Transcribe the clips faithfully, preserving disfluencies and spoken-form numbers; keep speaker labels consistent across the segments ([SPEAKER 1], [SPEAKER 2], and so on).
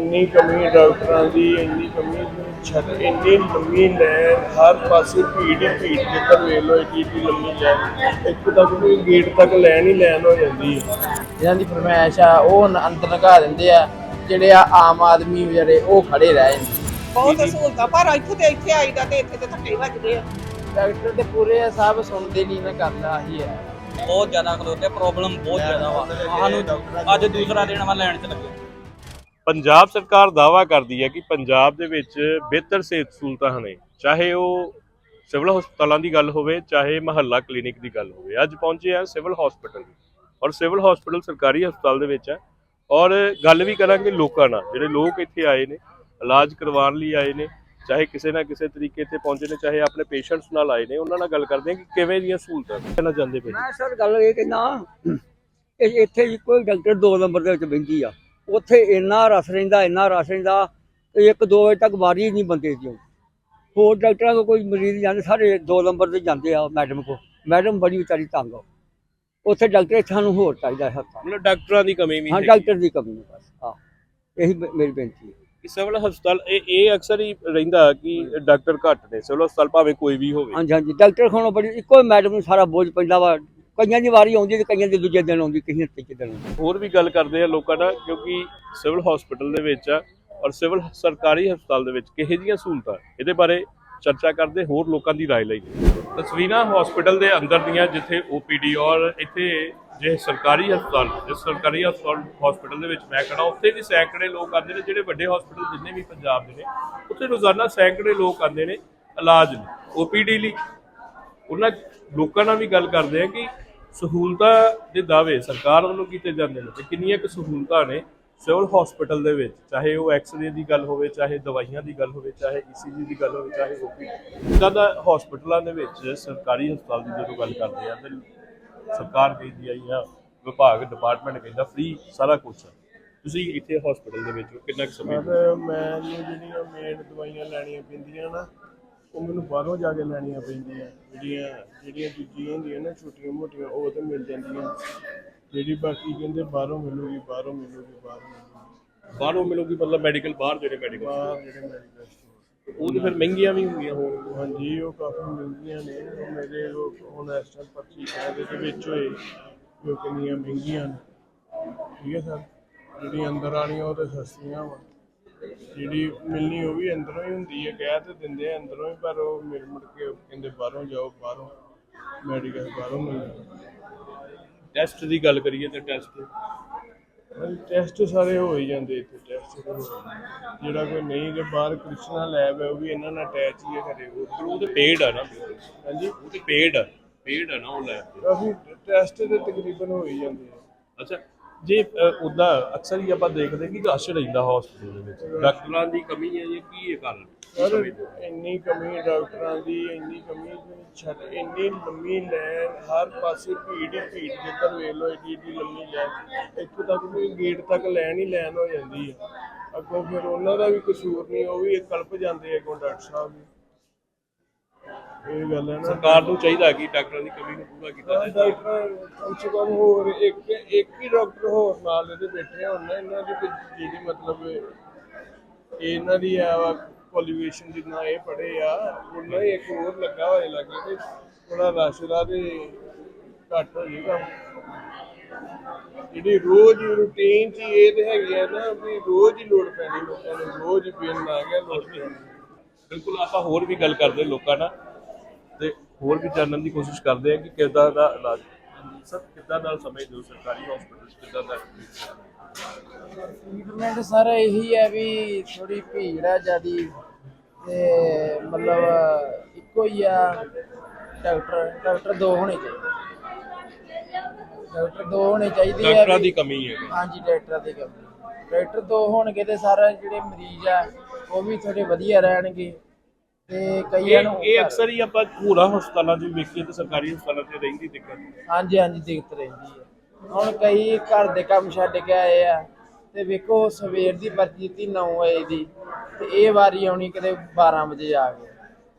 [SPEAKER 1] ਇੰਨੀ ਕਮੀ ਡਾਕਟਰਾਂ ਦੀ, ਇੰਨੀ ਕਮੀ ਛੱਡ, ਇੰਨੀ ਲੰਮੀ ਲਾਈਨ, ਹਰ ਪਾਸੇ ਭੀੜ ਹੀ ਭੀੜ, ਜਿੱਧਰ ਵੇਖ ਲਓ ਏਡੀ ਏਡੀ ਲੰਮੀ ਲਾਈਨ, ਇੱਥੋਂ ਤੱਕ ਵੀ ਗੇਟ ਤੱਕ ਲਾਈਨ ਹੀ ਲਾਈਨ ਹੋ ਜਾਂਦੀ ਹੈ।
[SPEAKER 2] ਜਿਨ੍ਹਾਂ ਦੀ ਫਰਮਾਇਸ਼ ਆ ਉਹ ਅੰਦਰ ਲਗਾ ਦਿੰਦੇ ਆ, ਜਿਹੜੇ ਆ ਆਮ ਆਦਮੀ ਜਿਹੜੇ ਉਹ ਖੜੇ ਰਹਿ ਜਾਂਦੇ।
[SPEAKER 3] ਬਹੁਤ ਸਹੂਲਤਾਂ, ਪਰ ਇੱਥੋਂ ਤੇ ਇੱਥੇ ਆਈਦਾ ਤੇ ਇੱਥੇ ਤੇ ਧੱਕੇ ਵੱਜਦੇ ਆ।
[SPEAKER 2] ਡਾਕਟਰ ਤੇ ਪੂਰੇ ਸਭ ਸੁਣਦੇ ਨਹੀਂ ਨਾ, ਕਰਦਾ ਹੀ ਹੈ।
[SPEAKER 4] ਬਹੁਤ ਜ਼ਿਆਦਾ ਖਲੋਤੇ, ਪ੍ਰੋਬਲਮ ਬਹੁਤ ਜ਼ਿਆਦਾ ਵਾ ਸਾਨੂੰ। ਅੱਜ ਦੂਸਰਾ ਦਿਨ ਵਾ ਲੈਣ ਚ ਲੱਗੇ।
[SPEAKER 5] ਪੰਜਾਬ ਸਰਕਾਰ ਦਾਅਵਾ ਕਰਦੀ ਹੈ ਕਿ ਪੰਜਾਬ ਦੇ ਵਿੱਚ ਬਿਹਤਰ ਸਿਹਤ ਸਹੂਲਤਾਂ ਨੇ, ਚਾਹੇ ਉਹ ਸਿਵਲ ਹਸਪਤਾਲਾਂ ਦੀ ਗੱਲ ਹੋਵੇ, ਚਾਹੇ ਮੁਹੱਲਾ ਕਲੀਨਿਕ ਦੀ ਗੱਲ ਹੋਵੇ। ਅੱਜ ਪਹੁੰਚੇ ਆ ਸਿਵਲ ਹਸਪਤਾਲ, ਔਰ ਸਿਵਲ ਹਸਪਤਾਲ ਸਰਕਾਰੀ ਹਸਪਤਾਲ ਦੇ ਵਿੱਚ ਹੈ। ਔਰ ਗੱਲ ਵੀ ਕਰਾਂਗੇ ਲੋਕਾਂ ਨਾਲ, ਜਿਹੜੇ ਲੋਕ ਇੱਥੇ ਆਏ ਨੇ ਇਲਾਜ ਕਰਵਾਉਣ ਲਈ ਆਏ ਨੇ, ਚਾਹੇ ਕਿਸੇ ਨਾ ਕਿਸੇ ਤਰੀਕੇ ਇੱਥੇ ਪਹੁੰਚੇ ਨੇ, ਚਾਹੇ ਆਪਣੇ ਪੇਸ਼ੈਂਟਸ ਨਾਲ ਆਏ ਨੇ, ਉਹਨਾਂ ਨਾਲ ਗੱਲ ਕਰਦੇ ਹਾਂ ਕਿ ਕਿਵੇਂ ਦੀਆਂ ਸਹੂਲਤਾਂ ਕਹਿਣਾ ਚਾਹੁੰਦੇ ਪਏ।
[SPEAKER 6] ਮੈਂ ਸਰ ਗੱਲ ਇਹ ਕਹਿੰਦਾ, ਇੱਥੇ ਇੱਕੋ ਡਾਕਟਰ ਦੋ ਨੰਬਰ ਦੇ ਵਿੱਚ ਬਹਿੰਦੀ ਆ, ਉੱਥੇ ਇੰਨਾ ਰਸ਼ ਰਹਿੰਦਾ, ਇੰਨਾ ਰਸ਼ ਰਹਿੰਦਾ, ਇੱਕ ਦੋ ਵਜੇ ਤੱਕ ਵਾਰੀ ਨਹੀਂ ਬੰਦੇ ਦੀ। ਹੋਰ ਡਾਕਟਰਾਂ ਕੋਲ ਕੋਈ ਮਰੀਜ਼ ਜਾਂਦੇ, ਸਾਰੇ ਦੋ ਨੰਬਰ ਤੇ ਜਾਂਦੇ ਆ ਮੈਡਮ ਕੋਲ। ਮੈਡਮ ਬੜੀ ਵਿਚਾਰੀ ਤੰਗ ਆ ਉੱਥੇ, ਡਾਕਟਰ ਸਾਨੂੰ ਹੋਰ ਚਾਹੀਦਾ ਹੈ।
[SPEAKER 5] ਮਤਲਬ ਡਾਕਟਰਾਂ ਦੀ ਕਮੀ ਵੀ
[SPEAKER 6] ਹਾਂ, ਡਾਕਟਰ ਦੀ ਕਮੀ ਹੈ ਬਸ। ਹਾਂ, ਇਹੀ ਮੇਰੀ ਬੇਨਤੀ ਹੈ
[SPEAKER 5] ਕਿ ਸਿਵਲ ਹਸਪਤਾਲ ਇਹ ਇਹ ਅਕਸਰ ਹੀ ਰਹਿੰਦਾ ਕਿ ਡਾਕਟਰ ਘੱਟ ਨੇ ਸਿਵਲ ਹਸਪਤਾਲ, ਭਾਵੇਂ ਕੋਈ ਵੀ ਹੋਵੇ।
[SPEAKER 6] ਹਾਂਜੀ ਹਾਂਜੀ, ਡਾਕਟਰ ਕੋਲੋਂ ਬੜੀ ਇੱਕੋ ਮੈਡਮ ਨੂੰ ਸਾਰਾ ਬੋਝ ਪੈਂਦਾ ਵਾ। ਕਈਆਂ ਦੀ ਵਾਰੀ ਆਉਂਦੀ ਤੇ ਕਈਆਂ ਦੀ ਦੂਜੇ ਦਿਨ ਆਉਂਦੀ, ਕਿਸੇ ਤੀਜੇ ਦਿਨ ਆਉਂਦੀ।
[SPEAKER 5] ਹੋਰ ਵੀ ਗੱਲ ਕਰਦੇ ਆ ਲੋਕਾਂ ਨਾਲ, ਕਿਉਂਕਿ ਸਿਵਲ ਹਸਪਤਾਲ ਦੇ ਵਿੱਚ ਆ ਔਰ ਸਿਵਲ ਸਰਕਾਰੀ ਹਸਪਤਾਲ ਦੇ ਵਿੱਚ ਕਿਹੋ ਜਿਹੀਆਂ ਸਹੂਲਤਾਂ, ਇਹਦੇ ਬਾਰੇ ਚਰਚਾ ਕਰਦੇ, ਹੋਰ ਲੋਕਾਂ ਦੀ ਰਾਏ ਲਈ। ਤਸਵੀਰਾਂ ਹਸਪਤਾਲ ਦੇ ਅੰਦਰ ਦੀਆਂ, ਜਿੱਥੇ ਓ ਪੀ ਡੀ ਔਰ ਇੱਥੇ ਜੇ ਸਰਕਾਰੀ ਹਸਪਤਾਲ, ਜਿਸ ਸਰਕਾਰੀ ਹਸਪਤਾਲ ਹਸਪਤਾਲ ਦੇ ਵਿੱਚ ਮੈਂ ਖੜਾ, ਉੱਥੇ ਵੀ ਸੈਂਕੜੇ ਲੋਕ ਆਉਂਦੇ ਨੇ। ਜਿਹੜੇ ਵੱਡੇ ਹਸਪਤਾਲ ਜਿੰਨੇ ਵੀ ਪੰਜਾਬ ਦੇ ਨੇ, ਉੱਥੇ ਰੋਜ਼ਾਨਾ ਸੈਂਕੜੇ ਲੋਕ ਆਉਂਦੇ ਨੇ ਇਲਾਜ ਲਈ, ਓ ਪੀ ਡੀ ਲਈ। ਉਹਨਾਂ ਲੋਕਾਂ ਨਾਲ ਵੀ ਗੱਲ ਕਰਦੇ ਆ ਕਿ ਸਹੂਲਤਾਂ ਦੇ ਦਾਅਵੇ ਸਰਕਾਰ ਵੱਲੋਂ ਕੀਤੇ ਜਾਂਦੇ ਨੇ, ਤੇ ਕਿੰਨੀਆਂ ਕੁ ਸਹੂਲਤਾਂ ਨੇ ਸਿਵਲ ਹਸਪਤਾਲ ਦੇ ਵਿੱਚ, ਚਾਹੇ ਉਹ ਐਕਸਰੇ ਦੀ ਗੱਲ ਹੋਵੇ, ਚਾਹੇ ਦਵਾਈਆਂ ਦੀ ਗੱਲ ਹੋਵੇ, ਚਾਹੇ ਈ ਸੀ ਜੀ ਦੀ ਗੱਲ ਹੋਵੇ, ਚਾਹੇ ਓ ਪੀ ਡੀ। ਇੱਦਾਂ ਦਾ ਹਸਪਤਾਲਾਂ ਦੇ ਵਿੱਚ ਸਰਕਾਰੀ ਹਸਪਤਾਲ ਦੀ ਜਦੋਂ ਗੱਲ ਕਰਦੇ ਆ ਤੇ ਸਰਕਾਰ ਕਹਿੰਦੀ ਆਈ ਆ, ਵਿਭਾਗ ਡਿਪਾਰਟਮੈਂਟ ਕਹਿੰਦਾ ਫ੍ਰੀ ਸਾਰਾ ਕੁਛ ਆ। ਤੁਸੀਂ ਇੱਥੇ ਹਸਪਤਾਲ ਦੇ ਵਿੱਚ ਕਿੰਨਾ ਕੁ ਸਮੇਂ
[SPEAKER 1] ਮੈਨੂੰ ਜਿਹੜੀਆਂ ਮੇਨ ਦਵਾਈਆਂ ਲੈਣੀਆਂ ਪੈਂਦੀਆਂ ਨਾ, ਉਹ ਮੈਨੂੰ ਬਾਹਰੋਂ ਜਾ ਕੇ ਲੈਣੀਆਂ ਪੈਂਦੀਆਂ। ਜਿਹੜੀਆਂ ਜਿਹੜੀਆਂ ਦੂਜੀਆਂ ਹੁੰਦੀਆਂ ਨਾ ਛੋਟੀਆਂ ਮੋਟੀਆਂ, ਉਹ ਤਾਂ ਮਿਲ ਜਾਂਦੀਆਂ। ਜਿਹੜੀ ਬਾਕੀ ਕਹਿੰਦੇ ਬਾਹਰੋਂ ਮਿਲੂਗੀ, ਬਾਹਰੋਂ ਮਿਲੂਗੀ, ਬਾਹਰੋਂ ਮਿਲੂਗੀ,
[SPEAKER 5] ਬਾਹਰੋਂ ਮਿਲੂਗੀ, ਮਤਲਬ ਮੈਡੀਕਲ ਬਾਹਰ, ਜਿਹੜੇ ਮੈਡੀਕਲ
[SPEAKER 1] ਬਾਹਰ ਜਿਹੜੇ ਮੈਡੀਕਲ ਸਟੋਰ,
[SPEAKER 5] ਉਹ ਤਾਂ ਫਿਰ ਮਹਿੰਗੀਆਂ ਵੀ ਹੁੰਦੀਆਂ ਹੋਣ।
[SPEAKER 1] ਹਾਂਜੀ ਉਹ ਕਾਫੀ ਮਹਿੰਗੀਆਂ ਨੇ। ਉਹ ਮੇਰੇ ਉਹ ਹੁਣ ਇਸ ਟਾਈਮ ਪਰਚੀ ਕਾਇਦੇ ਦੇ ਵਿੱਚ ਹੋਏ ਜੋ ਕਿੰਨੀਆਂ ਮਹਿੰਗੀਆਂ ਨੇ। ਠੀਕ ਹੈ ਸਰ, ਜਿਹੜੀਆਂ ਅੰਦਰ ਆਉਣੀਆਂ ਉਹ ਤਾਂ ਸਸਤੀਆਂ ਵਾ, ਜਿਹੜੀ ਮਿਲਣੀ ਉਹ ਵੀ ਅੰਦਰੋਂ ਹੀ ਹੁੰਦੀ ਹੈ। ਕਹਿ ਤਾਂ ਦਿੰਦੇ ਆ ਅੰਦਰੋਂ ਹੀ, ਪਰ ਉਹ ਮਿਲ ਮੁੜ ਕੇ ਕਹਿੰਦੇ ਬਾਹਰੋਂ ਜਾਓ, ਬਾਹਰੋਂ ਮੈਡੀਕਲ ਬਾਹਰੋਂ ਮਿਲਦਾ।
[SPEAKER 5] ਟੈਸਟ ਦੀ ਗੱਲ ਕਰੀਏ ਤਾਂ ਟੈਸਟ
[SPEAKER 1] ਟੈਸਟ ਸਾਰੇ ਹੋ ਹੀ ਜਾਂਦੇ ਇੱਥੇ। ਟੈਸਟ ਜਿਹੜਾ ਕੋਈ ਨਹੀਂ, ਜੇ ਬਾਹਰ ਕ੍ਰਿਸ਼ਨਾ ਲੈਬ ਹੈ, ਉਹ ਵੀ ਇਹਨਾਂ ਨਾਲ ਅਟੈਚ ਹੀ ਹੈ ਘਰੇ।
[SPEAKER 5] ਉਹ ਤੇ ਪੇਡ ਆ ਨਾ।
[SPEAKER 1] ਹਾਂਜੀ,
[SPEAKER 5] ਉਹ ਤੇ ਪੇਡ ਆ, ਪੇਡ ਆ ਨਾ ਉਹ ਲੈਬ।
[SPEAKER 1] ਕਾਫੀ ਟੈਸਟ ਤੇ ਤਕਰੀਬਨ ਹੋ ਹੀ ਜਾਂਦੇ ਆ।
[SPEAKER 5] ਅੱਛਾ, ਜੇ ਉੱਦਾਂ ਅਕਸਰ ਹੀ ਆਪਾਂ ਦੇਖਦੇ ਕਿ ਰਸ਼ ਰਹਿੰਦਾ ਹਸਪਤਾਲ ਦੇ ਵਿੱਚ, ਡਾਕਟਰਾਂ ਦੀ ਕਮੀ ਹੈ ਜਾਂ ਕੀ ਹੈ ਕਾਰਨ?
[SPEAKER 1] ਸਰ ਇੰਨੀ ਕਮੀ ਡਾਕਟਰਾਂ ਦੀ, ਇੰਨੀ ਕਮੀ ਛੱਡ, ਇੰਨੀ ਲੰਮੀ ਲਾਈਨ, ਹਰ ਪਾਸੇ ਭੀੜ ਹੀ ਭੀੜ, ਜਿੱਧਰ ਵੇਖ ਲਓ ਏਡੀ ਏਡੀ ਲੰਮੀ ਲਾਈਨ, ਇੱਥੋਂ ਤੱਕ ਵੀ ਗੇਟ ਤੱਕ ਲਾਈਨ ਹੀ ਲਾਈਨ ਹੋ ਜਾਂਦੀ ਹੈ। ਅੱਗੋਂ ਫਿਰ ਉਹਨਾਂ ਦਾ ਵੀ ਕਸੂਰ ਨਹੀਂ, ਉਹ ਵੀ ਕਲਪ ਜਾਂਦੇ ਅੱਗੋਂ ਡਾਕਟਰ ਸਾਹਿਬ ਵੀ। ਇਹ ਗੱਲ ਹੈ ਨਾ,
[SPEAKER 5] ਸਰਕਾਰ ਨੂੰ ਚਾਹੀਦਾ ਕਿ ਡਾਕਟਰਾਂ ਦੀ ਕਮੀ ਨੂੰ ਪੂਰਾ ਕੀਤਾ ਜਾਏ।
[SPEAKER 1] ਡਾਕਟਰ ਕਮ ਸੇ ਕਮ ਹੋਰ ਇੱਕ ਇੱਕ ਹੀ ਡਾਕਟਰ ਹੋਰ ਨਾਲ ਇਹਦੇ ਬੈਠੇ ਹੋਣ ਨਾ, ਇਹਨਾਂ ਦੀ ਜਿਹੜੀ ਮਤਲਬ ਇਹਨਾਂ ਦੀ ਆ ਵਾ ਕੁਆਲੀਫਿਕੇਸ਼ਨ, ਜਿੰਨਾ ਇਹ ਪੜ੍ਹੇ ਆ ਉਹਨਾਂ ਹੀ ਇੱਕ ਹੋਰ ਲੱਗਾ ਹੋਏ ਲੱਗੇ, ਤੇ ਥੋੜਾ ਰਸ਼ ਦਾ ਤੇ ਘੱਟ ਹੋ ਜਾਏਗਾ। ਜਿਹੜੀ ਰੋਜ਼ ਰੂਟੀਨ 'ਚ ਇਹ ਤੇ ਹੈਗੀ ਆ ਨਾ ਵੀ ਰੋਜ਼ ਹੀ ਲੋੜ ਪੈਣੀ ਲੋਕਾਂ ਨੂੰ, ਰੋਜ਼ ਹੀ ਬਿੱਲ ਆ ਗਿਆ ਲੋੜ ਪੈਣੀ।
[SPEAKER 5] ਬਿਲਕੁਲ, ਆਪਾਂ ਹੋਰ ਵੀ ਗੱਲ ਕਰਦੇ ਲੋਕਾਂ ਨਾਲ ਤੇ ਹੋਰ ਵੀ ਜਾਣਨ ਦੀ ਕੋਸ਼ਿਸ਼ ਕਰਦੇ ਆ ਕਿ ਕਿੱਦਾਂ ਦਾ ਇਲਾਜ ਸਰ, ਕਿੱਦਾਂ ਦਾ ਸਮਝਦੇ ਹੋ ਸਰਕਾਰੀ ਹਸਪਤਾਲ ਕਿੱਦਾਂ ਦਾ
[SPEAKER 2] ਟ੍ਰੀਟਮੈਂਟ ਸਰ ਇਹੀ ਹੈ ਵੀ ਥੋੜੀ ਭੀੜ ਆ ਜ਼ਿਆਦੀ, ਤੇ ਮਤਲਬ ਇੱਕੋ ਹੀ ਆ ਡਾਕਟਰ। ਡਾਕਟਰ ਦੋ ਹੋਣੇ ਚਾਹੀਦੇ, ਡਾਕਟਰ ਦੋ ਹੋਣੇ ਚਾਹੀਦੇ ਆ।
[SPEAKER 5] ਡਾਕਟਰਾਂ ਦੀ ਕਮੀ ਹੈ।
[SPEAKER 2] ਹਾਂਜੀ, ਡਾਕਟਰਾਂ ਦੀ ਕਮੀ। ਡਾਕਟਰ ਦੋ ਹੋਣਗੇ ਤੇ ਸਾਰੇ ਜਿਹੜੇ ਮਰੀਜ਼ ਆ ਉਹ ਵੀ ਥੋੜੇ ਵਧੀਆ ਰਹਿਣਗੇ। ਤੇ ਕਈਆਂ ਨੂੰ
[SPEAKER 5] ਇਹ ਅਕਸਰ ਹੀ ਆਪਾਂ ਹੋਰਾਂ ਹਸਪਤਾਲਾਂ 'ਚ ਵੇਖੀਏ ਤੇ ਸਰਕਾਰੀ ਹਸਪਤਾਲਾਂ 'ਚ ਰਹਿੰਦੀ ਦਿੱਕਤ।
[SPEAKER 2] ਹਾਂਜੀ ਹਾਂਜੀ, ਦਿੱਕਤ ਰਹਿੰਦੀ ਹੈ। ਹੁਣ ਕਈ ਘਰ ਦੇ ਕੰਮ ਛੱਡ ਕੇ ਆਏ ਆ, ਤੇ ਵੇਖੋ ਸਵੇਰ ਦੀ ਪਰਚੀ ਦਿੱਤੀ ਨੌ ਵਜੇ ਦੀ, ਤੇ ਇਹ ਵਾਰੀ ਆਉਣੀ ਕਿਤੇ ਬਾਰਾਂ ਵਜੇ ਆ ਗਏ।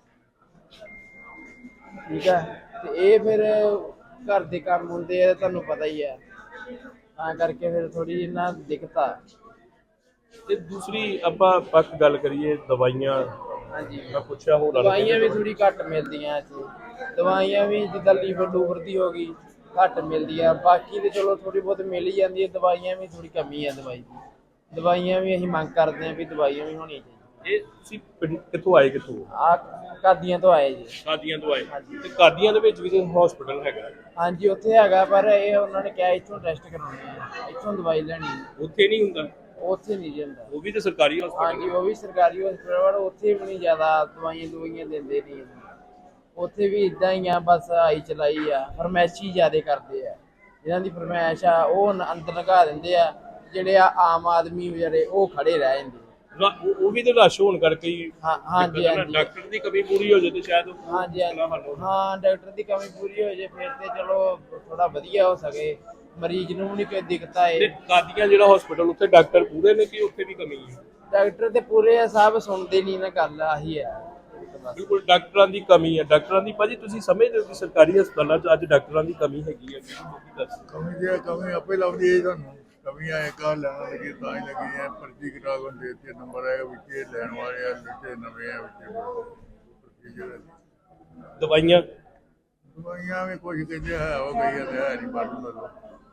[SPEAKER 2] ਠੀਕ ਹੈ, ਤੇ ਇਹ ਫਿਰ ਘਰ ਦੇ ਕੰਮ ਹੁੰਦੇ ਆ, ਤੁਹਾਨੂੰ ਪਤਾ ਹੀ ਹੈ, ਤਾਂ ਕਰਕੇ ਫਿਰ ਥੋੜੀ ਜਿਹੀ ਨਾ ਦਿੱਕਤ ਆ।
[SPEAKER 5] ਤੇ ਦੂਸਰੀ ਆਪਾਂ ਪੱਕ ਗੱਲ ਕਰੀਏ ਦਵਾਈਆਂ,
[SPEAKER 2] ਹਾਂਜੀ
[SPEAKER 5] ਮੈਂ ਪੁੱਛਿਆ ਹੋਰ
[SPEAKER 2] ਦਵਾਈਆਂ ਵੀ ਥੋੜੀ ਘੱਟ ਮਿਲਦੀਆਂ ਇੱਥੇ। ਦਵਾਈਆਂ ਵੀ ਜਿੱਦਾਂ ਲੀਵਰ ਲੂਵਰ ਦੀ ਹੋ ਗਈ ਘੱਟ ਮਿਲਦੀ ਆ, ਬਾਕੀ ਤੇ ਚਲੋ ਥੋੜੀ ਬਹੁਤ ਮਿਲ ਹੀ ਜਾਂਦੀ ਹੈ। ਦਵਾਈਆਂ ਵੀ ਥੋੜੀ ਕਮੀ ਆ ਦਵਾਈ ਦੀ। ਦਵਾਈਆਂ ਵੀ ਅਸੀਂ ਮੰਗ ਕਰਦੇ ਹਾਂ ਵੀ ਦਵਾਈਆਂ ਵੀ ਹੋਣੀਆਂ ਚਾਹੀਦੀਆਂ।
[SPEAKER 5] ਇਹ ਤੁਸੀਂ ਪਿੰਡ ਕਿੱਥੋਂ ਆਏ, ਕਿੱਥੋਂ?
[SPEAKER 2] ਆ ਕਾਦੀਆਂ ਤੋਂ ਆਏ ਜੀ।
[SPEAKER 5] ਕਾਦੀਆਂ ਤੋਂ ਆਏ ਤੇ ਕਾਦੀਆਂ ਦੇ ਵਿੱਚ ਵੀ ਤੇ ਹਸਪੀਟਲ ਹੈਗਾ?
[SPEAKER 2] ਹਾਂਜੀ ਉੱਥੇ ਹੈਗਾ, ਪਰ ਇਹ ਉਹਨਾਂ ਨੇ ਕਿਹਾ ਇੱਥੋਂ ਟੈਸਟ ਕਰਾਉਣੇ ਆ, ਇੱਥੋਂ ਦਵਾਈ ਲੈਣੀ ਆ।
[SPEAKER 5] ਉੱਥੇ ਨਹੀਂ ਹੁੰਦਾ?
[SPEAKER 2] ਉੱਥੇ ਨਹੀਂ ਜੀ ਹੁੰਦਾ।
[SPEAKER 5] ਉਹ ਵੀ ਤੇ ਸਰਕਾਰੀ ਹਸਪਤਾਲ?
[SPEAKER 2] ਹਾਂਜੀ ਉਹ ਵੀ ਸਰਕਾਰੀ ਹਸਪਤਾਲ, ਪਰ ਉੱਥੇ ਵੀ ਨਹੀਂ ਜ਼ਿਆਦਾ ਦਵਾਈਆਂ ਦਵਾਈਆਂ ਦਿੰਦੇ ਨਹੀਂ। ਉੱਥੇ ਵੀ ਇਦਾਂ ਹੀ ਆ, ਬਸ ਆਈ ਚਲਾਈ ਆ। ਫਰਮੈਸ਼ੀ ਜ਼ਿਆਦਾ ਕਰਦੇ ਆ, ਜਿਹਨਾਂ ਦੀ ਫਰਮੈਸ਼ ਆ ਉਹ ਨ- ਅੰਦਰ ਲਗਾ ਦਿੰਦੇ ਆ। ਜਿਹੜੇ ਆ ਆਮ ਆਦਮੀ ਵਿਚਾਰੇ ਉਹ ਖੜੇ ਰਹਿ ਜਾਂਦੇ।
[SPEAKER 5] ਰਾ- ਉਹ ਉਹ ਵੀ ਤੇ ਰਸ਼ ਹੋਣ ਕਰਕੇ ਹੀ
[SPEAKER 2] ਹਾਂ ਹਾਂਜੀ
[SPEAKER 5] ਦਿੱਕਤ ਹੈ ਨਾ।
[SPEAKER 2] ਹਾਂਜੀ
[SPEAKER 5] ਡਾਕਟਰ ਦੀ ਕਮੀ ਪੂਰੀ ਹੋ ਜਾਏ ਤੇ ਸ਼ਾਇਦ ਉਹ
[SPEAKER 2] ਹਾਂਜੀ
[SPEAKER 5] ਮੁਸ਼ਕਲਾਂ ਹੱਲ ਹੋ
[SPEAKER 2] ਹਾਂਜੀ। ਹਾਂ ਡਾਕਟਰ ਦੀ ਕਮੀ ਪੂਰੀ ਹੋ ਜੇ ਫਿਰ ਤੇ ਚਲੋ ਥੋੜਾ ਵਧੀਆ ਹੋ ਸਕੇ, ਮਰੀਜ਼ ਨੂੰ ਵੀ ਨਹੀਂ ਕੋਈ ਦਿੱਕਤ
[SPEAKER 5] ਤੇ
[SPEAKER 2] ਆਏ।
[SPEAKER 5] ਕਾਦੀਆਂ ਜਿਹੜਾ ਹਸਪੀਟਲ ਉੱਥੇ ਡਾਕਟਰ ਪੂਰੇ ਨੇ ਕਿ ਉੱਥੇ ਵੀ ਕਮੀ ਹੈ?
[SPEAKER 2] ਡਾਕਟਰ ਤੇ ਪੂਰੇ ਆ, ਸਭ ਸੁਣਦੇ ਨਹੀਂ ਨਾ, ਗੱਲ ਆਹੀ ਹੈ ਬਸ।
[SPEAKER 5] ਬਿਲਕੁਲ ਡਾਕਟਰਾਂ ਦੀ ਕਮੀ ਹੈ। ਡਾਕਟਰਾਂ ਦੀ ਭਾਜੀ ਤੁਸੀਂ ਸਮਝਦੇ ਹੋ ਕਿ ਸਰਕਾਰੀ ਹਸਪਤਾਲਾਂ 'ਚ ਅੱਜ ਡਾਕਟਰਾਂ ਦੀ ਕਮੀ ਹੈਗੀ ਹੈ? ਕੀ ਦੱਸ
[SPEAKER 7] ਕਮੀ ਜੇ ਕਮੀ ਆਪੇ ਲਾਉਂਦੀ ਹੈ ਤੁਹਾਨੂੰ। ਕਮੀਆਂ ਇੱਕ ਆ ਲੈਣ ਲੱਗੀ ਤਾਂ ਹੀ ਲੱਗੀ ਹੈ। ਪਰਚੀ ਕਟਾ ਕੇ ਦੇ ਦਿੱਤੀ, ਨੰਬਰ ਆਏਗਾ ਵਿੱਚ ਇਹ ਲੈਣ ਵਾਲੇ ਆ, ਵਿੱਚ ਨਵੇਂ ਆ, ਵਿੱਚ ਪ੍ਰੋਸੀਜਰ
[SPEAKER 5] ਦਵਾਈਆਂ
[SPEAKER 7] ਦਵਾਈਆਂ ਵੀ ਕੁਝ ਕਹਿੰਦੇ ਹੈ ਉਹ ਗਈ ਹੈ ਤੇ ਹੈ ਨਹੀਂ ਪਰ ਮਤਲਬ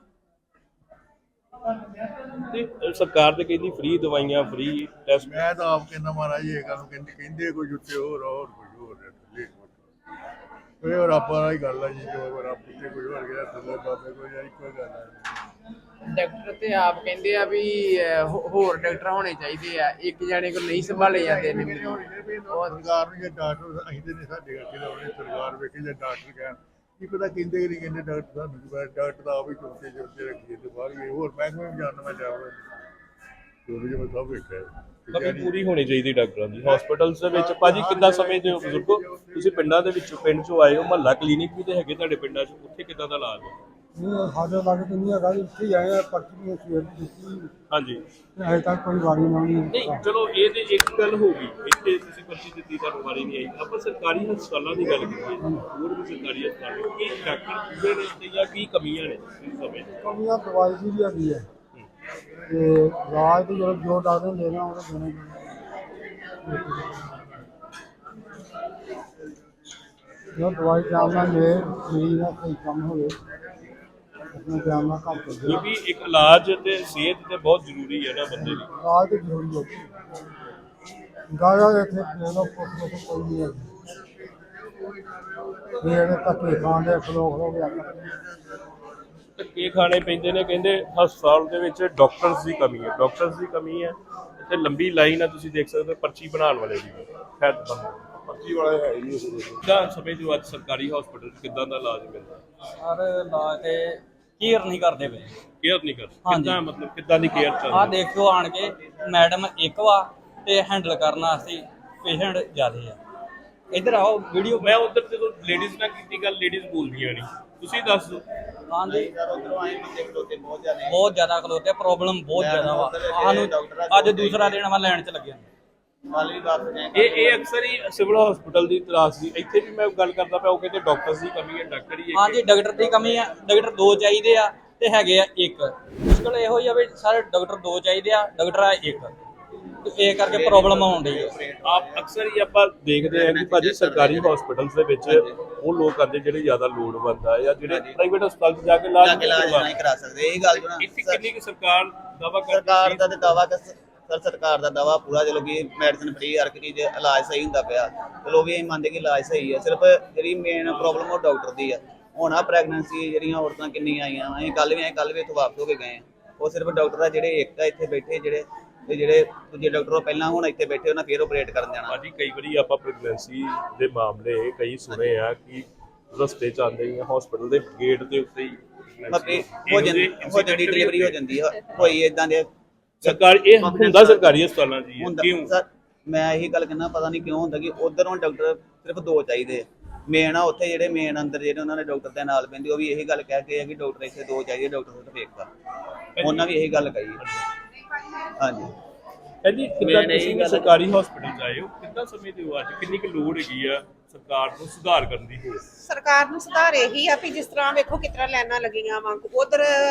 [SPEAKER 5] ਤੇ ਸਰਕਾਰ ਤੇ ਕਹਿੰਦੀ ਫ੍ਰੀ ਦਵਾਈਆਂ, ਫ੍ਰੀ ਟੈਸਟ।
[SPEAKER 7] ਮੈਂ ਤਾਂ ਆਪ ਕਹਿੰਦਾ ਮਹਾਰਾਜ ਇਹ ਗੱਲ ਨੂੰ ਕਹਿੰਦੇ ਕਹਿੰਦੇ ਕੁਝ ਉੱਤੇ ਹੋਰ ਹੋਰ ਕੁਝ ਹੋਰ ਹੈ ਥੱਲੇ ਕੁਝ। ਇਹ ਰੱਬ ਵਾਲੀ ਗੱਲ ਹੈ ਜੀ, ਜੋ ਰੱਬ ਉੱਤੇ ਕੁਝ ਹੋਰ ਗਿਆ ਥੱਲੇ ਬਾਬੇ ਕੋਈ ਯਾਰ ਇੱਕੋ ਗੱਲ ਹੈ।
[SPEAKER 2] ਡਾਕਟਰ ਤੇ ਆਪ ਕਹਿੰਦੇ ਆ ਵੀ ਅਹ, ਹੋ- ਹੋਰ ਡਾਕਟਰ ਹੋਣੇ ਚਾਹੀਦੇ ਆ, ਇੱਕ ਜਾਣੇ ਕੋਲ ਨਹੀਂ ਸੰਭਾਲੇ ਜਾਂਦੇ ਨੇ ਮਰੀਜ਼।
[SPEAKER 7] ਸਰਕਾਰ ਨੂੰ ਜੇ ਡਾਕਟਰ ਅਸੀਂ ਤੇ ਨਹੀਂ ਸਾਡੇ ਕਰਕੇ ਲਾਉਣੇ, ਸਰਕਾਰ ਵੇਖੇ ਜੇ ਡਾਕਟਰ ਕਹਿਣ ਕੀ ਪਤਾ ਕਹਿੰਦੇ ਕਿ ਨਹੀਂ ਕਹਿੰਦੇ। ਡਾਕਟਰ ਸਾਨੂੰ ਕੀ ਪਤਾ, ਡਾਕਟਰ ਤਾਂ ਆਪ ਹੀ ਚੁੱਕੇ ਚੁੱਕੇ ਰੱਖੀਏ ਤੇ ਬਾਹਰ ਗਏ ਹੋਰ ਮਹਿਕਮੇ ਵੀ ਜਾਣਨਾ ਮੈਂ ਜਾਵਾਂ ਜੋ ਜੋ ਮੈਂ ਸਭ ਵੇਖਿਆ।
[SPEAKER 5] ਕਮੀ ਪੂਰੀ ਹੋਣੀ ਚਾਹੀਦੀ ਡਾਕਟਰਾਂ ਦੀ ਹਸਪੀਟਲਸ ਦੇ ਵਿੱਚ। ਭਾਜੀ ਕਿੱਦਾਂ ਸਮਝਦੇ ਹੋ ਬਜ਼ੁਰਗੋ, ਤੁਸੀਂ ਪਿੰਡਾਂ ਦੇ ਵਿੱਚੋਂ ਪਿੰਡ 'ਚੋਂ ਆਏ ਹੋ, ਮਹੱਲਾ ਕਲੀਨਿਕ ਵੀ ਤੇ ਹੈਗੇ ਤੁਹਾਡੇ ਪਿੰਡਾਂ 'ਚ, ਉੱਥੇ ਕਿੱਦਾਂ ਦਾ ਇਲਾਜ ਹੈ?
[SPEAKER 8] ਨਹੀਂ ਸਾਡੇ ਲਾਗੇ ਤਾਂ ਨਹੀਂ ਹੈਗਾ ਜੀ, ਇੱਥੇ ਹੀ ਆਏ ਆ। ਪਰਚੀ ਵੀ ਸਵੇਰ ਦੀ ਦਿੱਤੀ
[SPEAKER 5] ਹਾਂਜੀ
[SPEAKER 8] ਤੇ ਅਜੇ ਤੱਕ ਕੋਈ ਵਾਰੀ ਨਾ ਨਹੀਂ।
[SPEAKER 5] ਨਹੀਂ ਚਲੋ ਇਹ ਤੇ ਇੱਕ ਗੱਲ ਹੋ ਗਈ, ਇੱਥੇ ਤੁਸੀਂ ਪਰਚੀ ਦਿੱਤੀ ਤੁਹਾਨੂੰ ਵਾਰੀ ਨਹੀਂ ਆਈ। ਆਪਾਂ ਸਰਕਾਰੀ ਹਸਪਤਾਲਾਂ ਦੀ ਗੱਲ ਕਰੀਏ, ਹੋਰ ਵੀ ਸਰਕਾਰੀ ਹਸਪਤਾਲ ਨੇ, ਕੀ ਡਾਕਟਰ ਪੂਰੇ ਨੇ ਤੇ ਜਾਂ ਕੀ ਕਮੀਆਂ ਨੇ ਇਸ ਸਮੇਂ?
[SPEAKER 8] ਕਮੀਆਂ ਦਵਾਈ ਦੀ ਵੀ ਹੈਗੀ ਹੈ ਤੇ ਇਲਾਜ ਤੇ ਜੋ ਜੋ ਡਾਕਟਰ ਨੇ ਦੇਣਾ ਉਹ ਦੇਣਾ ਹੀ ਜੋ ਦਵਾਈ ਟਾਈਮ ਨਾਲ ਮਿਲੇ, ਮਰੀਜ਼ ਦਾ ਸਹੀ ਕੰਮ ਹੋਵੇ, ਆਪਣਾ ਟਾਈਮ ਨਾਲ ਕੰਮ ਕਰਦੇ।
[SPEAKER 5] ਕਿਉਂਕਿ ਇੱਕ ਇਲਾਜ ਤੇ ਸਿਹਤ ਤੇ ਬਹੁਤ ਜ਼ਰੂਰੀ ਹੈ ਨਾ ਬੰਦੇ ਦੀ।
[SPEAKER 8] ਇਲਾਜ ਤੇ ਜ਼ਰੂਰੀ ਹੈ। ਗਾਇਆ ਇੱਥੇ ਲੈ ਲਓ, ਪੁੱਛ ਲਓ, ਕੋਈ ਨਹੀਂ ਹੈ। ਇਹ ਜਿਹੜੇ ਧੱਕੇ ਖਾਂਦੇ ਖਲੋ ਖਲੋ ਕੇ ਆਖਰ
[SPEAKER 5] ਧੱਕੇ ਖਾਣੇ ਪੈਂਦੇ ਨੇ। ਕਹਿੰਦੇ ਹਸਪਤਾਲ ਦੇ ਵਿੱਚ ਡਾਕਟਰਸ ਦੀ ਕਮੀ ਹੈ, ਡਾਕਟਰਸ ਦੀ ਕਮੀ ਹੈ ਤੇ ਲੰਬੀ ਲਾਈਨ ਆ, ਤੁਸੀਂ ਦੇਖ ਸਕਦੇ ਹੋ ਪਰਚੀ ਬਣਾਉਣ ਵਾਲੇ ਦੀ। ਖੈਰ ਪਰਚੀ ਵਾਲਾ ਹੈ ਹੀ ਨਹੀਂ। ਕਿੱਦਾਂ ਸਮਝਦੇ ਹੋ ਅੱਜ ਸਰਕਾਰੀ ਹਸਪੀਟਲ 'ਚ ਕਿੱਦਾਂ ਦਾ ਇਲਾਜ ਮਿਲਦਾ?
[SPEAKER 4] ਸਰ ਇਲਾਜ ਤੇ ਕੇਅਰ ਨਹੀਂ ਕਰਦੇ ਪਏ।
[SPEAKER 5] ਕੇਅਰ ਨਹੀਂ ਕਰਦੇ?
[SPEAKER 4] ਹਾਂਜੀ।
[SPEAKER 5] ਕਿੱਦਾਂ ਮਤਲਬ ਕਿੱਦਾਂ ਦੀ ਕੇਅਰ ਚੱਲ
[SPEAKER 4] ਆਹ
[SPEAKER 5] ਰਹੀ?
[SPEAKER 4] ਦੇਖਿਓ ਆਣ ਕੇ ਮੈਡਮ ਇੱਕ ਵਾ ਤੇ ਹੈਂਡਲ ਕਰਨ ਵਾਸਤੇ ਪੇਸ਼ੈਂਟ ਜ਼ਿਆਦੇ ਆ। ਇੱਧਰ ਆਓ ਵੀਡੀਓ।
[SPEAKER 5] ਮੈਂ ਉਧਰ ਜਦੋਂ ਲੇਡੀਜ਼ ਨਾਲ ਕੀਤੀ ਗੱਲ, ਲੇਡੀਜ਼ ਬੋਲਦੀਆਂ ਨਹੀਂ, ਤੁਸੀਂ ਦੱਸ ਦਿਓ।
[SPEAKER 4] ਹਾਂਜੀ
[SPEAKER 9] ਉਧਰੋਂ ਆਏ ਬੰਦੇ ਖਲੋਤੇ ਬਹੁਤ ਜ਼ਿਆਦਾ
[SPEAKER 4] ਬਹੁਤ ਜ਼ਿਆਦਾ ਖਲੋਤੇ, ਪ੍ਰੋਬਲਮ ਬਹੁਤ ਜ਼ਿਆਦਾ ਵਾ। ਸਾਨੂੰ ਅੱਜ ਦੂਸਰਾ ਦਿਨ ਵਾ ਲੈਣ ਚ ਲੱਗਿਆ।
[SPEAKER 9] ਕੱਲ ਵੀ ਵਾਪਸ ਗਏ।
[SPEAKER 5] ਇਹ ਇਹ ਅਕਸਰ ਹੀ ਸਿਵਲ ਹਸਪੀਟਲ ਦੀ ਤਰਾਸ ਦੀ। ਇੱਥੇ ਵੀ ਮੈਂ ਗੱਲ ਕਰਦਾ ਪਿਆ, ਉਹ ਕਹਿੰਦੇ ਡਾਕਟਰਸ ਦੀ ਕਮੀ ਹੈ, ਡਾਕਟਰ ਹੀ
[SPEAKER 4] ਹਾਂਜੀ ਡਾਕਟਰ ਦੀ ਕਮੀ ਆ, ਡਾਕਟਰ ਦੋ ਚਾਹੀਦੇ ਆ ਤੇ ਹੈਗੇ ਆ ਇੱਕ। ਮੁਸ਼ਕਲ ਇਹੋ ਹੀ ਆ ਵੀ ਸਾਰੇ ਡਾਕਟਰ ਦੋ ਚਾਹੀਦੇ ਆ, ਡਾਕਟਰ ਆ ਇੱਕ, ਤੇ ਇਹ ਕਰਕੇ ਪ੍ਰੋਬਲਮ ਆਉਣ ਡਈ ਆ।
[SPEAKER 5] ਆਪ ਅਕਸਰ ਹੀ ਆਪਾਂ ਦੇਖਦੇ ਹਾਂ ਕਿ ਭਾਜੀ ਸਰਕਾਰੀ ਹਸਪੀਟਲਸ ਦੇ ਵਿੱਚ ਉਹ ਲੋਕ ਆਉਂਦੇ ਜਿਹੜੇ ਜ਼ਿਆਦਾ ਲੋੜਵੰਦ ਆ ਜਾਂ ਜਿਹੜੇ ਪ੍ਰਾਈਵੇਟ ਹਸਪਤਾਲ 'ਚ ਜਾ ਕੇ ਇਲਾਜ
[SPEAKER 9] ਜਾ ਕੇ ਇਲਾਜ ਨਹੀਂ ਕਰਾ ਸਕਦੇ। ਇਹ ਗੱਲ ਜੋ ਨਾ
[SPEAKER 5] ਇੱਥੇ ਕਿੰਨੀ ਕੁ ਸਰਕਾਰ ਦਾਵਾ ਕਰਦੀ
[SPEAKER 9] ਸਰਕਾਰ
[SPEAKER 5] ਸੀ?
[SPEAKER 9] ਦਾ ਤੇ ਦਾਵਾ ਸਰ ਸਰਕਾਰ ਦਾ ਦਾਵਾ ਪੂਰਾ, ਚਲੋ ਵੀ ਮੈਡੀਸਨ ਫ੍ਰੀ ਹਰ ਇੱਕ ਚੀਜ਼ ਇਲਾਜ ਸਹੀ ਹੁੰਦਾ ਪਿਆ, ਚਲੋ ਵੀ ਅਸੀਂ ਮੰਨਦੇ ਕਿ ਇਲਾਜ ਸਹੀ ਹੈ। ਸਿਰਫ ਜਿਹੜੀ ਮੇਨ ਪ੍ਰੋਬਲਮ ਉਹ ਡਾਕਟਰ ਦੀ ਆ। ਹੁਣ ਆ ਪ੍ਰੈਗਨੈਂਸੀ ਜਿਹੜੀਆਂ ਔਰਤਾਂ ਕਿੰਨੀਆਂ ਆਈਆਂ, ਅਸੀਂ ਕੱਲ ਵੀ ਆਏ, ਕੱਲ ਵੀ ਇੱਥੋਂ ਵਾਪਸ ਹੋ ਕੇ ਗਏ। ਉਹ ਸਿਰਫ ਡਾਕਟਰ ਆ ਜਿਹੜੇ ਇੱਕ ਆ ਇੱਥੇ ਬੈਠੇ, ਜਿਹੜੇ ਤੇ ਜਿਹੜੇ ਦੂਜੇ ਡਾਕਟਰ ਪਹਿਲਾਂ ਹੁਣ ਇੱਥੇ ਬੈਠੇ ਉਹਨਾਂ ਫੇਰ ਆਪਰੇਟ ਕਰਨ ਜਾਣਾ।
[SPEAKER 5] ਭਾਜੀ ਕਈ ਵਾਰੀ ਆਪਾਂ ਪ੍ਰੈਗਨੈਂਸੀ ਦੇ ਮਾਮਲੇ ਕਈ ਸੁਣੇ ਆ ਕਿ ਰਸਤੇ 'ਚ ਆਉਂਦੇ ਹੀ ਹਸਪੀਟਲ ਦੇ ਗੇਟ ਦੇ ਉੱਤੇ ਹੀ
[SPEAKER 9] ਬਾਕੀ ਹੋ ਜਾਂਦੀ ਹੋ ਜਾਂਦੀ ਡਿਲੀਵਰੀ ਹੋ ਜਾਂਦੀ ਆ। ਕੋਈ ਇਦਾਂ ਦੇ
[SPEAKER 5] ਸਰਕਾਰ ਇਹ ਹੁੰਦਾ ਸਰਕਾਰੀ ਹਸਪਤਾਲਾਂ 'ਚ ਹੀ ਹੈ।
[SPEAKER 9] ਹੁੰਦਾ
[SPEAKER 5] ਕਿਉਂ?
[SPEAKER 9] ਸਰ ਮੈਂ ਇਹੀ ਗੱਲ ਕਹਿੰਦਾ, ਪਤਾ ਨਹੀਂ ਕਿਉਂ ਹੁੰਦਾ ਕਿ ਉਧਰੋਂ ਡਾਕਟਰ ਸਿਰਫ ਦੋ ਚਾਹੀਦੇ ਮੇਨ ਆ। ਉੱਥੇ ਜਿਹੜੇ ਮੇਨ ਅੰਦਰ ਜਿਹੜੇ ਉਹਨਾਂ ਨੇ ਡਾਕਟਰ ਦੇ ਨਾਲ ਪੈਂਦੇ, ਉਹ ਵੀ ਇਹੀ ਗੱਲ ਕਹਿ ਕੇ ਆ ਕਿ ਡਾਕਟਰ ਇੱਥੇ ਦੋ ਚਾਹੀਦੇ, ਡਾਕਟਰ ਸਿਰਫ ਇੱਕ ਆ। ਉਹਨਾਂ ਵੀ ਇਹੀ ਗੱਲ ਕਹੀ। ਹਾਂਜੀ
[SPEAKER 5] ਕਹਿੰਦੀ ਕਿੱਦਾਂ ਤੁਸੀਂ ਵੀ ਸਰਕਾਰੀ ਹਸਪੀਟਲ 'ਚ ਆਏ ਹੋ, ਕਿੱਦਾਂ ਸਮਝਦੇ ਹੋ ਅੱਜ ਕਿੰਨੀ ਕੁ ਲੋੜ ਹੈਗੀ ਆ ਸਰਕਾਰ ਨੂੰ ਸੁਧਾਰ ਕਰਨ ਦੀ? ਹੋਰ
[SPEAKER 3] ਸਰਕਾਰ ਨੂੰ ਸੁਧਾਰ ਇਹੀ ਆ ਵੀ ਜਿਸ ਤਰ੍ਹਾਂ ਵੇਖੋ ਕਿਸ ਤਰ੍ਹਾਂ ਲਾਈਨਾਂ ਲੱਗੀਆਂ ਵਾ, ਉਧਰ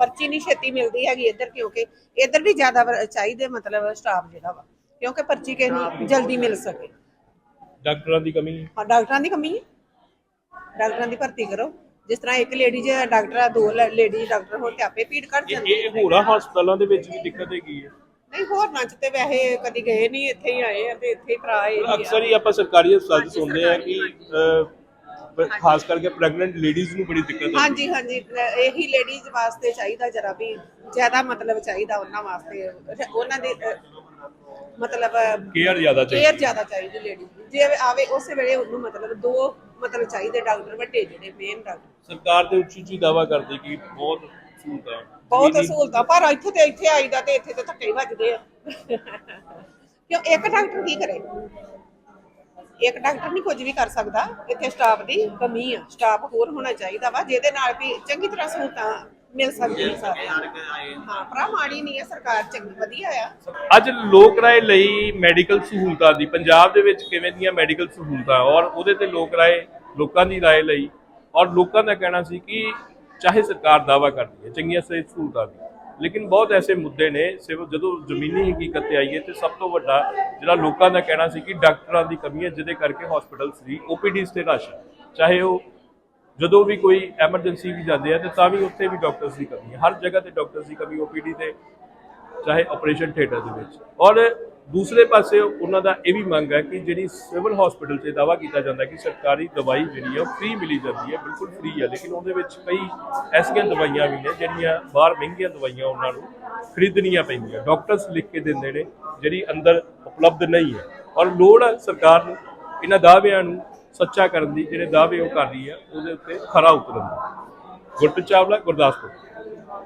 [SPEAKER 3] ਪਰਚੀ ਨਹੀਂ ਛੇਤੀ ਮਿਲਦੀ ਹੈਗੀ ਇੱਧਰ, ਕਿਉਂਕਿ ਇੱਧਰ ਵੀ ਜ਼ਿਆਦਾ ਵਰ- ਚਾਹੀਦੇ ਮਤਲਬ ਸਟਾਫ ਜਿਹੜਾ ਵਾ, ਕਿਉਂਕਿ ਪਰਚੀ ਕਿਸੇ ਨੂੰ ਜਲਦੀ ਮਿਲ ਸਕੇ।
[SPEAKER 5] ਡਾਕਟਰਾਂ ਦੀ ਕਮੀ ਹੈ।
[SPEAKER 3] ਹਾਂ, ਡਾਕਟਰਾਂ ਦੀ ਕਮੀ ਹੈ, ਡਾਕਟਰਾਂ ਦੀ ਭਰਤੀ ਕਰੋ। ਜਿਸ ਤਰ੍ਹਾਂ ਇੱਕ ਲੇਡੀ ਜੇ ਡਾਕਟਰ ਆ, ਦੋ ਲੇਡੀ ਡਾਕਟਰ ਹੋਣ ਤੇ ਆਪੇ ਭੀੜ ਘੱਟ
[SPEAKER 5] ਇਹ
[SPEAKER 3] ਜਾਂਦੀ
[SPEAKER 5] ਇਹ ਹੋਰਾਂ ਹਸਪਤਾਲਾਂ ਦੇ ਵਿੱਚ ਵੀ ਦਿੱਕਤ ਹੈਗੀ ਹੈ।
[SPEAKER 3] ਨਹੀਂ, ਹੋਰ ਚ ਤੇ ਵੈਸੇ ਕਦੀ ਗਏ ਨਹੀਂ, ਇੱਥੇ ਹੀ ਆਏ ਆ ਤੇ ਇੱਥੇ ਹੀ ਭਰਾ ਇਹ ਹੀ
[SPEAKER 5] ਅਕਸਰ ਹੀ ਆਪਾਂ ਸਰਕਾਰੀ ਹਸਪਤਾਲ 'ਚ ਸੁਣਦੇ ਆ ਕਿ ਅਹ, ਖਾਸ ਕਰਕੇ ਪ੍ਰੈਗਨੈਂਟ ਲੇਡੀਜ਼ ਨੂੰ ਬੜੀ ਦਿੱਕਤ ਆਉਂਦੀ ਹੈ।
[SPEAKER 3] ਹਾਂਜੀ ਹਾਂਜੀ, ਇਹੀ ਲੇਡੀਜ਼ ਵਾਸਤੇ ਚਾਹੀਦਾ ਜਰਾ ਵੀ ਜ਼ਿਆਦਾ ਮਤਲਬ ਚਾਹੀਦਾ ਉਹਨਾਂ ਵਾਸਤੇ, ਉਹਨਾਂ ਦੇ ਅਹ, ਮਤਲਬ
[SPEAKER 5] ਕੇਅਰ ਜ਼ਿਆਦਾ ਚਾਹੀਦੀ
[SPEAKER 3] ਕੇਅਰ ਜ਼ਿਆਦਾ ਚਾਹੀਦੀ ਲੇਡੀ ਜੇ ਆਵੇ ਉਸੇ ਵੇਲੇ ਉਹਨੂੰ ਮਤਲਬ ਦੋ ਮਤਲਬ ਚਾਹੀਦੇ ਡਾਕਟਰ ਵੱਡੇ ਜਿਹੜੇ ਮੇਨ ਡਾਕਟਰ।
[SPEAKER 5] ਸਰਕਾਰ ਤੇ ਉੱਚੀ ਉੱਚੀ ਦਾਅਵਾ ਕਰਦੀ ਕਿ ਬਹੁਤ ਸਹੂਲਤਾਂ
[SPEAKER 3] ਬਹੁਤ ਸਹੂਲਤਾਂ, ਪਰ ਇੱਥੇ ਤੇ ਇੱਥੇ ਆਈਦਾ ਤੇ ਇੱਥੇ ਤੇ ਧੱਕੇ ਹੀ ਵੱਜਦੇ ਆ ਕਿਉਂ ਇੱਕ ਡਾਕਟਰ ਕੀ ਕਰੇ, ਇੱਕ ਡਾਕਟਰ ਨਹੀਂ ਕੁਝ ਵੀ ਕਰ ਸਕਦਾ। ਇੱਥੇ ਸਟਾਫ ਦੀ ਕਮੀ ਆ, ਸਟਾਫ ਹੋਰ ਹੋਣਾ ਚਾਹੀਦਾ ਵਾ ਜਿਹਦੇ ਨਾਲ ਵੀ ਚੰਗੀ ਤਰ੍ਹਾਂ ਸਹੂਲਤਾਂ ਮਿਲ ਸਕਦੀਆਂ ਸਾਰਿਆਂ ਨੂੰ। ਹਾਂ, ਭਰਾ ਮਾੜੀ ਨਹੀਂ ਹੈ ਸਰਕਾਰ, ਚੰਗੀ ਵਧੀਆ ਆ।
[SPEAKER 5] ਅੱਜ ਲੋਕ ਰਾਏ ਲਈ ਮੈਡੀਕਲ ਸਹੂਲਤਾਂ ਦੀ ਪੰਜਾਬ ਦੇ ਵਿੱਚ ਕਿਵੇਂ ਦੀਆਂ ਮੈਡੀਕਲ ਸਹੂਲਤਾਂ ਔਰ ਉਹਦੇ ਤੇ ਲੋਕ ਰਾਏ ਲੋਕਾਂ ਦੀ ਰਾਏ ਲਈ, ਔਰ ਲੋਕਾਂ ਦਾ ਕਹਿਣਾ ਸੀ ਕਿ ਚਾਹੇ ਸਰਕਾਰ ਦਾਅਵਾ ਕਰਦੀ ਹੈ ਚੰਗੀਆਂ ਸਿਹਤ ਸਹੂਲਤਾਂ ਦੀ, ਲੇਕਿਨ ਬਹੁਤ ਐਸੇ ਮੁੱਦੇ ਨੇ ਸਿਰਫ ਜਦੋਂ ਜ਼ਮੀਨੀ ਹਕੀਕਤ ਤੇ ਆਈਏ ਤੇ ਸਭ ਤੋਂ ਵੱਡਾ ਜਿਹੜਾ ਲੋਕਾਂ ਦਾ ਕਹਿਣਾ ਸੀ ਕਿ ਡਾਕਟਰਾਂ ਦੀ ਕਮੀ ਹੈ, ਜਿਹਦੇ ਕਰਕੇ ਹਸਪੀਟਲਸ ਦੀ ਓਪੀਡੀਜ਼ ਤੇ ਰਸ਼ ਹੈ। ਚਾਹੇ ਉਹ ਜਦੋਂ ਵੀ ਕੋਈ ਐਮਰਜੈਂਸੀ ਵੀ ਜਾਂਦੇ ਆ ਤੇ ਤਾਂ ਵੀ ਉੱਥੇ ਵੀ ਡਾਕਟਰਸ ਦੀ ਕਮੀ ਹੈ, ਹਰ ਜਗ੍ਹਾ ਤੇ ਡਾਕਟਰਸ ਦੀ ਕਮੀ, ਓਪੀਡੀ ਤੇ ਚਾਹੇ ਆਪਰੇਸ਼ਨ ਥੀਏਟਰ ਦੇ ਵਿੱਚ। ਔਰ ਦੂਸਰੇ ਪਾਸੇ ਉਹਨਾਂ ਦਾ ਇਹ ਵੀ ਮੰਗ ਹੈ ਕਿ ਜਿਹੜੀ ਸਿਵਲ ਹਸਪੀਟਲ 'ਚ ਦਾਅਵਾ ਕੀਤਾ ਜਾਂਦਾ ਕਿ ਸਰਕਾਰੀ ਦਵਾਈ ਜਿਹੜੀ ਹੈ ਉਹ ਫ੍ਰੀ ਮਿਲੀ ਜਾਂਦੀ ਹੈ, ਬਿਲਕੁਲ ਫ੍ਰੀ ਹੈ, ਲੇਕਿਨ ਉਹਦੇ ਵਿੱਚ ਕਈ ਐਸੀਆਂ ਦਵਾਈਆਂ ਵੀ ਨੇ ਜਿਹੜੀਆਂ ਬਾਹਰ ਮਹਿੰਗੀਆਂ ਦਵਾਈਆਂ ਉਹਨਾਂ ਨੂੰ ਖਰੀਦਣੀਆਂ ਪੈਂਦੀਆਂ, ਡਾਕਟਰਸ ਲਿਖ ਕੇ ਦਿੰਦੇ ਨੇ ਜਿਹੜੀ ਅੰਦਰ ਉਪਲਬਧ ਨਹੀਂ ਹੈ। ਔਰ ਲੋੜ ਹੈ ਸਰਕਾਰ ਨੂੰ ਇਹਨਾਂ ਦਾਅਵਿਆਂ ਨੂੰ ਸੱਚਾ ਕਰਨ ਦੀ, ਜਿਹੜੇ ਦਾਅਵੇ ਉਹ ਕਰ ਰਹੀ ਹੈ ਉਹਦੇ ਉੱਤੇ ਖਰਾ ਉਤਰਨ ਦੀ। ਗੁਰਪ੍ਰੀਤ ਚਾਵਲਾ, ਗੁਰਦਾਸਪੁਰ।